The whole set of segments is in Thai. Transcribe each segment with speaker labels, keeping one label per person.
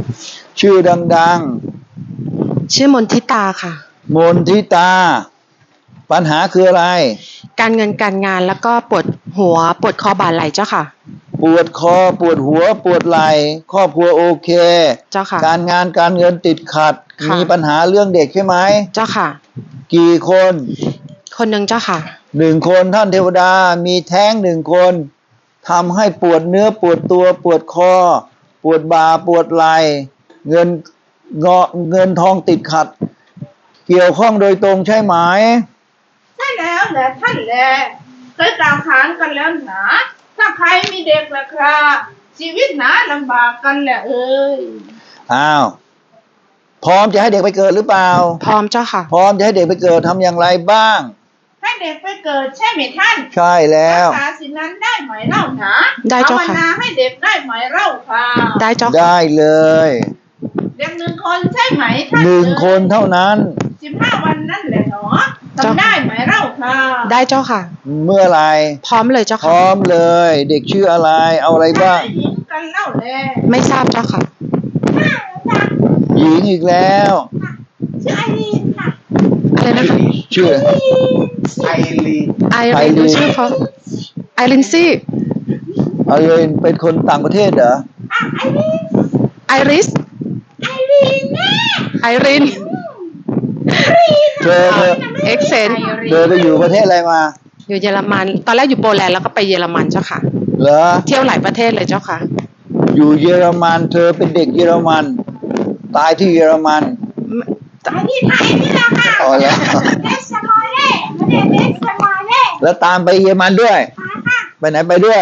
Speaker 1: ชื่อดัง
Speaker 2: ชื่อมนทิตาค่ะ
Speaker 1: ๆมนทิตาปัญหาคืออะไร
Speaker 2: การเงินการงานแล้วก็ปวดหัวปวดคอบ่าไหล่เจ้าค่ะ
Speaker 1: ปวดคอปวดหัวปวดไหล่ครอบครัวโอเค
Speaker 2: เจ้าค่ะ
Speaker 1: การงานการเงินติดขัดมีปัญหาเรื่องเด็กใช่ไหม
Speaker 2: เจ้าค่ะ
Speaker 1: กี่คน
Speaker 2: คนหนึ่งเจ้าค่ะ
Speaker 1: 1 คนท่านเทวดามีแท้ง1 คนทำให้ปวดเนื้อปวดตัวปวดคอปวดบ่าปวดไหล่เงินทองติดขัดเกี่ยวข้องโดยตรงใช่ไหม
Speaker 3: ใช่แล้วแหละท่านแหละเคยกล่าวขานกันแล้วหนาถ้าใครมีเด็กล่ะครับชีวิตหนาลำบากกันแหละเอ้ย
Speaker 1: อ้าวพร้อมจะให้เด็กไปเกิดหรือเปล่า
Speaker 2: พร้อมเจ้าค่ะ
Speaker 1: พร้อมจะให้เด็กไปเกิดทำอย่างไรบ้าง
Speaker 3: ให้เด็กไปเกิดใช่ไหมท่าน
Speaker 1: ใช่แล้ว
Speaker 3: รักษาสิ่งนั้นได้ไหมเล่าหนา
Speaker 2: ได้เจ้าค่ะ
Speaker 3: ภาวนาให้เด็กได้ไหมเล่าค่ะ
Speaker 2: ได้เจ้าค่ะ
Speaker 1: ได้เลย
Speaker 3: เด็ก1 คนใช่ไหมท่าน
Speaker 1: 1 คนเท่านั้น
Speaker 3: 15 วันนั่นแหละเนาะทำได้ไหมเล่าค่ะ
Speaker 2: ได้เจ้าค่ะ
Speaker 1: เมื่อไร
Speaker 2: พร้อมเลยเจ้าค่ะ
Speaker 1: พร้อมเลยเด็กชื่ออะไรเอาอะไรบ้าง
Speaker 3: หญิงกันเล่าแล
Speaker 2: ไม่ทราบเจ้าค่ะ
Speaker 1: หญิงอีกแล้ว
Speaker 3: ชื่อไอรีนค่ะ
Speaker 2: อะไรนะคะ
Speaker 1: ชื่อ
Speaker 4: ไอรีน
Speaker 2: ไอรีนดูชื่อเขาไอรินซี่
Speaker 1: ไอรีนเป็นคนต่างประเทศเหรอ
Speaker 3: ไอรีน
Speaker 2: ไอริส
Speaker 3: ไอรีนแม่
Speaker 2: ไอริน
Speaker 1: เธอ
Speaker 2: เอ็กเซน
Speaker 1: เธอไปอยู่ประเทศอะไรมา
Speaker 2: อยู่เยอรมันตอนแรกอยู่โปแลนด์แล้วก็ไปเยอรมันเจ้าค่ะ
Speaker 1: เหรอ
Speaker 2: เที่ยวหลายประเทศเลยเจ้าค่ะ
Speaker 1: อยู่เยอรมันเธอเป็นเด็กเยอรมันตายที่เยอรมัน
Speaker 3: ตายที่ไทยนี่แหละค่ะ
Speaker 1: อ๋อแล้ว
Speaker 3: เบสมอลเล่ไม่ได้เบสมอลเล่
Speaker 1: แล้วตามไปเยอรมันด้วยไปไหนไปด้วย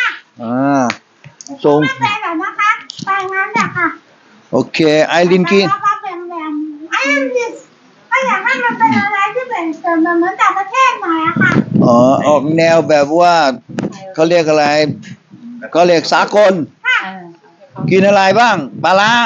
Speaker 1: ส่ง
Speaker 3: ไปแบบนะคะไปงั้นแหละค่ะ
Speaker 1: โอเคไอรินกิน
Speaker 3: ไอรินก็อยากให้มันเป็นอะไรที่เป็นเหมือนต่างประเทศหน่อยอะค่ะ
Speaker 1: อ๋อออกแนวแบบว่าเขาเรียกอะไรเขาเรียกสากลกินอะไรบ้างปลาร้า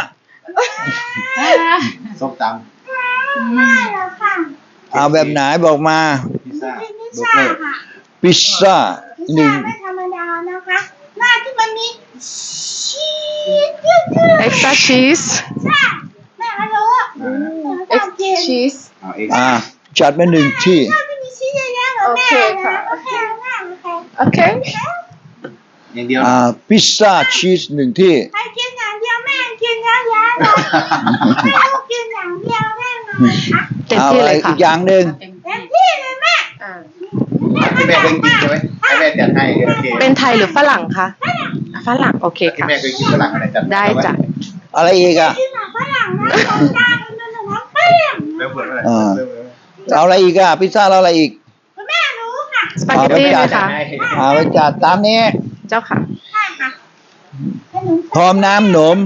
Speaker 4: ส้มต
Speaker 3: ำไม่หรอกค่ะ
Speaker 1: เอาแบบไหนบอกมา
Speaker 3: พิซซ่าค่ะ
Speaker 1: พิซซ่า
Speaker 3: ไม่ธรรมดานะคะหน้าที่มันมีชีส
Speaker 2: เอ็กซ์ตร้าชีส
Speaker 3: ใช่แม่ไม่รู้
Speaker 2: เอ็กซ์ชีส
Speaker 1: จัดมา1 ที่
Speaker 2: โอเคค่ะโอเค
Speaker 4: อย่างเดียว
Speaker 1: พิซซ่าชีส1 ที่
Speaker 3: ให้กินอย่างเดียวแม่กินเยอะๆเลยไม่รู้กินอย่างเดียวแม่
Speaker 2: เต็มที่เลยค่ะ
Speaker 1: อีกอย่างหนึ่ง
Speaker 3: เต็มที่เลยแม่
Speaker 4: ที่แม่เคยกินใช่ไหมให้แม่จัดให้โอเค
Speaker 2: เป็นไทยหรือฝรั่งคะฝรั่งโอเคค่ะ
Speaker 4: แม่เคยกินฝรั่งอะไรจัด
Speaker 2: ได้จ้ะ
Speaker 1: อะไรอีก
Speaker 3: ฝรั่งนะคนตาคนนั้นนะฝรั่ง
Speaker 1: เอาอะไรอีกพิซซ่าเราอะไรอีก
Speaker 3: แม่รู้ค่ะ
Speaker 2: สปาเกตตี้ไหมคะ
Speaker 1: ไปจัดตามนี้
Speaker 2: เจ้าค่ะ
Speaker 3: ใช่ค่ะ
Speaker 1: พร้อมน้ำหนม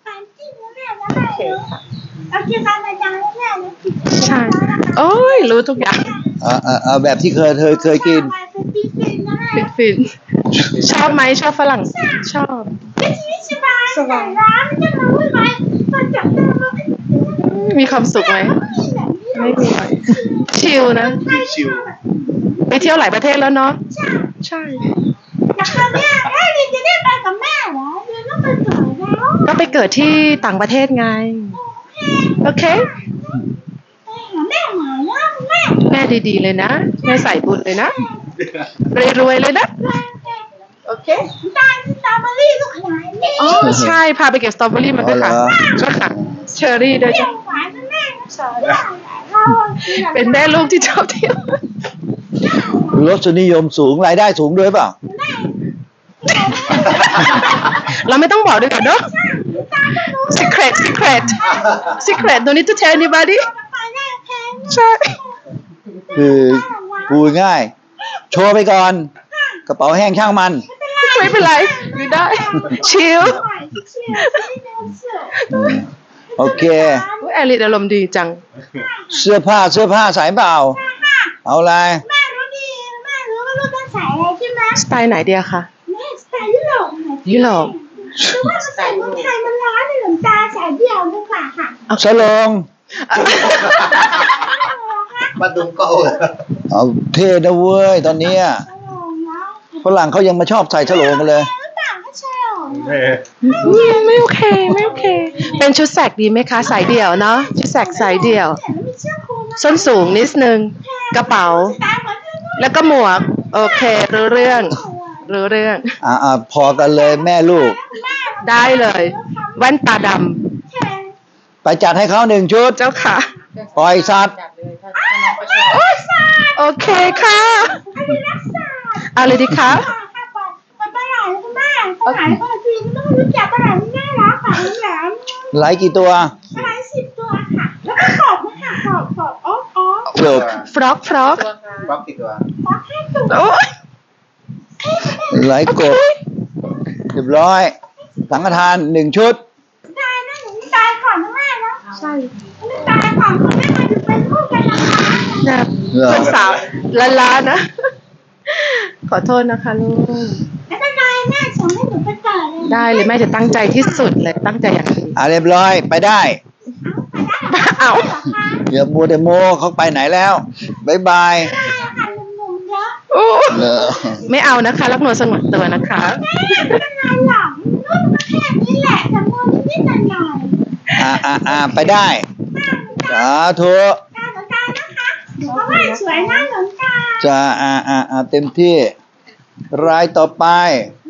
Speaker 2: ใช่โอ้ยรู้ทุกอย่าง
Speaker 1: แบบที่เคยกิน
Speaker 2: ฟินชอบไหมชอบฝรั่งชอบ
Speaker 3: สบายร้านจะมาวุ่นวายมาจับ
Speaker 2: มีความสุขไหมไม่มีชิลนะ
Speaker 4: ชิล
Speaker 2: ไปเที่ยวหลายประเทศแล้วเนาะใช่
Speaker 3: แล้วแม่ดิจะได้ไปกับแม่เหรอเดี๋ยวต้องไปเกิดแล้ว
Speaker 2: ก็ไปเกิดที่ต่างประเทศไงโอเค
Speaker 3: แม่หมาแล้ว
Speaker 2: แม่ดีๆเลยนะแม่ใส่บุญเลยนะรวยๆเลยนะโอเค
Speaker 3: ตาสตรอเบอรี่ลูกหลานนี่
Speaker 2: อ๋อใช่พาไปเก็บสตรอเบอรี่มาด้วยค่ะใช่ค่ะเชอร์รี่ด้วยจ้ะเป็นแม่ลูกที่ชอบเที่ยว
Speaker 1: รสนิยมสูงรายได้สูงด้วยเปล่า
Speaker 2: เราไม่ต้องบอกด้วยกันเนาะ secret don't need to tell anybody ใช่
Speaker 1: คือพูดง่ายโชว์ไปก่อนกระเป๋าแห้งช่างมัน
Speaker 2: ไม่เป็นไรอยู่ได้ชิล
Speaker 1: โอเค
Speaker 2: แอลิดอารมณ์ดีจัง
Speaker 1: เสื้อผ้าใส่เปล่าเอาอะไร
Speaker 3: แม่รู้ว่าลูกต้องใส่อะไรใช่ไหม
Speaker 2: สไตล์ไหนเดียคะ
Speaker 3: สไตล์ยุโรป
Speaker 2: หรือ
Speaker 3: ว่าสไตล์เมืองไทยมันร้อนเลยหลวงตาใส่เดี่ยวดีกว่าค่ะ
Speaker 1: ฉลอง
Speaker 4: มาดุมก็
Speaker 1: เอาเท่นะเว้ยตอนนี้ฝรั่งเขายังมาชอบใส่ฉลองกันเลย
Speaker 2: ไม่โอเคเป็นชุดแสกดีไหมคะสายเดี่ยวเนาะชุดแสกสายเดี่ยว
Speaker 3: แล้วมีเชือกคลุม
Speaker 2: ส้นสูงนิดนึงกระเป๋า
Speaker 3: ตาเหมือนกัน
Speaker 2: แล้วก็หมวก โอเครู้เรื่องรู้เรื่อง
Speaker 1: พอกันเลยแม่ลูก
Speaker 2: ได้เลย แว่นตาด
Speaker 1: ไปจัดให้เขาหนึ่งชุด
Speaker 2: ำเจ้าค่ะ
Speaker 1: ปล่อยสัตว์
Speaker 3: โอ้ยสาด
Speaker 2: โอเคค่ะ
Speaker 3: อันนี้รักษา
Speaker 2: เอาเลยดีคะ
Speaker 3: มันปลาไหลคุณแม่ปลาไหลปลาจีนต้องรู้จักปลาไหลมันน่ารักค่ะแหลม
Speaker 1: ไหลกี่ตัว
Speaker 3: ปลาไหล10 ตัวค่ะ แล้วก็ขอบนะคะขอบอ๋อ
Speaker 1: จบ
Speaker 2: ฟรอกฟรอก
Speaker 4: บล็อกกี่ตัว
Speaker 3: ขอแค่ตัว
Speaker 2: โอ้ย
Speaker 1: ไหลกบเรียบร้อย สังฆทานหนึ่งชุด
Speaker 3: ตายนะหนูตายก่อนนะแม่นะใช่ตายก่อนคุณแม่มาถึงเป็นลูกกันนะคะ
Speaker 2: นะ
Speaker 1: เหรอ
Speaker 2: เพื่อนสาวล้านๆนะ ขอโทษนะคะลูก
Speaker 3: ไม่เป็นไรแม่ส่งให้หนูไปเกิดเลย
Speaker 2: ได้เลยแม่จะตั้งใจที่สุดเลยตั้งใจอย่างดี
Speaker 1: เรียบร้อยไปได้
Speaker 2: เอา
Speaker 1: อย่ามัวแต่โมเขาไปไหนแล้วบายบาย
Speaker 3: ได้ค่ะหนุ่มๆเยอะ
Speaker 2: โอ้
Speaker 1: เหรอ
Speaker 2: ไม่เอานะคะรักนวลสงวนตัวนะคะ
Speaker 3: ไม่เป็นไรหรอกนุ่มแค่นี้แหละแต่มือนิดๆหน่อย
Speaker 1: ไปได้ สาธุ
Speaker 3: ๆตาหลวงตานะคะเพราะว่าสวยนะหลวงตา
Speaker 1: จะเต็มที่ รายต่อไป
Speaker 3: ค